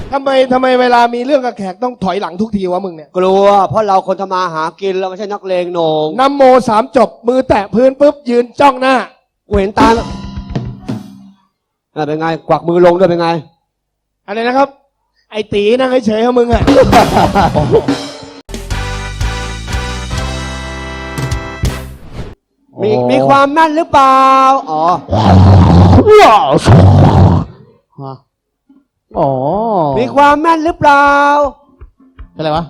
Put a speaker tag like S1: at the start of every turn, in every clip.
S1: ทำไมเวลามีเรื่องกับแขกต้องถอยหลังทุกทีวะมึงเนี่ย
S2: กลัวเพราะเราคนทำมาหากินเราไม่ใช่นักเลงโหนง
S1: นะโมสามจบมือแตะพื้นปุ๊บยืนจ้องหน้า
S2: กูเห็นตาแล้วเป็นไงกวักมือลงด้วยเป็นไง
S1: อะไรนะครับ ไอ้ตีนั่งเฉยๆของมึงอะ
S2: มีความแม่นหรือเปล่าอ๋อ
S3: อ๋อ
S2: มีความแม่นหรือเปล่า
S3: เป็นไรวะ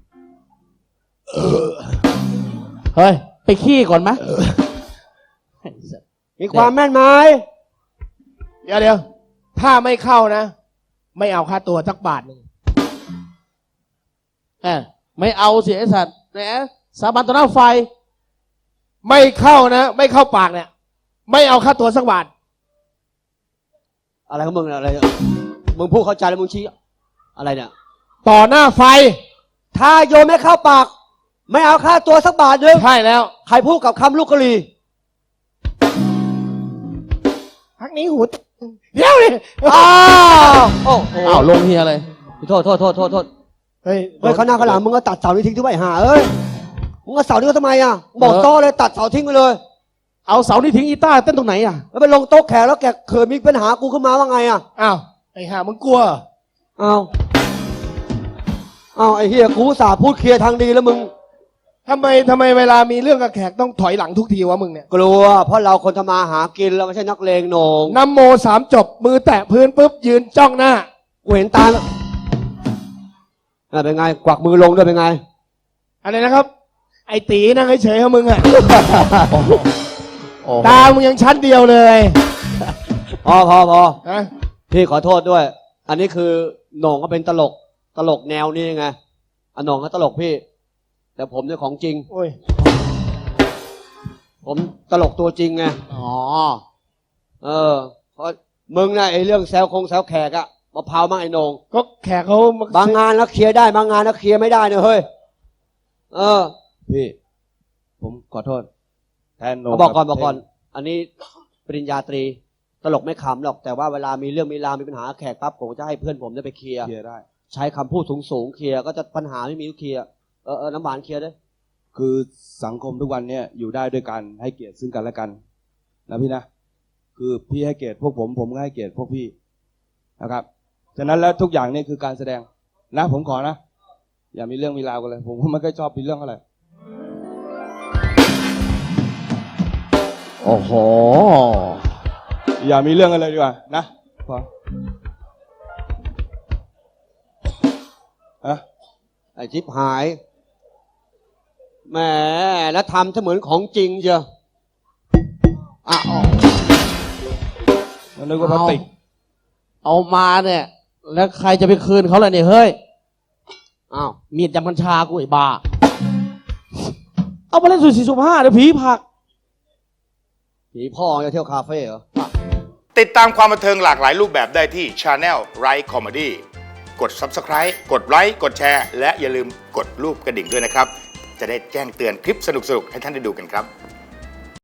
S3: เฮ้ยไปขี้ก่อนไหม
S2: มีความแม่นไหม
S1: เดี๋ยวถ้าไม่เข้านะ ไม่เอาค่าตัวสักบาทหนึ่ง
S3: ไม่เอาเสียไอ้สัตว์แหมสาบานต่อหน้าไฟ
S1: ไม่เข้านะ ไม่เข้าปากเนี่ย ไม่เอาค่าตัวสักบาท
S2: อะไรของมึงเนี่ยอะไรเนี่ยมึงพูดเข้าใจแล้วมึงชี้อะไรเนี่ย
S1: ต่อหน้าไฟ
S2: ถ้าโยมไม่เข้าปาก ไม่เอาค่าตัวสักบาทนึง
S1: ใช่แล้ว
S2: ใครพูดกับคำลูกกะลี
S1: พักนี้หูเดี๋ยวดิ
S2: อ้าวโอ้โห
S3: อ้าวลงเฮียเลย
S2: โทษ
S1: เฮ้ย
S2: เฮ้ยเขาหน้าข้างหลังมึงก็ตัดเสานี้ทิ้งทุกใบหาเอ้ยมึงก็เสานี้ก็ทำไมอ่ะบอกโต้เลยตัดเสาทิ้งไปเลย
S3: เอาเสานี่ทิ้งกีตาร์เต้นตรงไหนอ่ะ
S2: แล้วไปลงโต๊ะแขกแล้วแกเขินมีปัญหากูขึ้นมาว่าไงอ่ะ
S1: อ้าวไอ้ห่ามึงกลัว
S2: อ้าวไอ้เฮียกูอุตสาห์พูดเคลียร์ทางดีแล้วมึง
S1: ทำไมเวลามีเรื่องกับแขกต้องถอยหลังทุกทีวะมึงเนี่ย
S2: กลัวเพราะเราคนทำมาหากินเราไม่ใช่นักเลงโหนง
S1: นะโมสามจบมือแตะพื้นปุ๊บยืนจ้องหน้า
S2: กูเห็นตาแล้วเป็นไงกวักมือลงด้วยเป็นไง
S1: อะไรนะครับ ไอ้ตีนั่งเฉยๆของมึงอะ ตามึงยังชั้นเดียวเลย
S2: พอ
S1: นะ
S2: พี่ขอโทษด้วย อันนี้คือโหน่งก็เป็นตลกแนวนี้ไงอันโหน่งก็ตลกพี่ แต่ผมเนี่ยของจริง
S1: โอ้ย
S2: ผมตลกตัวจริงไง
S3: อ๋อ
S2: เพราะมึงนะไอ้เรื่องแซวแขกอะมะพร้าวมั่งไอ้โหน่ง
S1: ก็แขกเขามา
S2: บางงานแล้วเคลียร์ได้บางงานแล้วเคลียร์ไม่ได้เนี่ยเฮ้ย
S4: พี่ ผมขอโทษ แทนโน
S2: บอกก่อน อันนี้ปริญญาตรีตลกไม่ขำหรอกแต่ว่าเวลามีเรื่องมีราวมีปัญหาแขกปั๊บผมจะให้เพื่อนผมได้ไปเคลียร์
S4: เคลียร์ได้
S2: ใช้คำพูดสูงเคลียร์ก็จะปัญหาไม่มีก็เคลียร์น้ำหวานเคลียร์ด้วย
S4: คือสังคมทุกวันเนี่ยอยู่ได้ด้วยกันให้เกียรติซึ่งกันและกันนะพี่นะ คือพี่ให้เกียรติพวกผมก็ให้เกียรติพวกพี่นะครับฉะนั้นแล้วทุกอย่างนี่คือการแสดงนะผมขอนะ อย่ามีเรื่องมีราวกันเลย ผมก็ไม่ค่อยชอบมีเรื่องอะไร
S3: โอ้โห
S4: อย่ามีเรื่องกันเลยดีกว่านะพอ
S2: ไอ้ทิพหายแหมแล้วทำเสมือนของจริงเชียว
S4: มันนึกว่าพลาสติก
S3: เอามาเนี่ย แล้วใครจะไปคืนเขาล่ะเนี่ยเฮ้ย
S2: อ้าว
S3: มีดยำกัญชากูไอ้บ้า เอาไปเล่นสุดสี่สุดห้าเดี๋ยวผีผัก
S2: ผีพ่อจะเที่ยวคาเฟ่เหรอ
S5: ติดตามความบันเทิงหลากหลายรูปแบบได้ที่ Channel Right Comedy กด Subscribe กดไลค์กดแชร์และอย่าลืมกดรูปกระดิ่งด้วยนะครับ จะได้แจ้งเตือนคลิปสนุกๆให้ท่านได้ดูกันครับ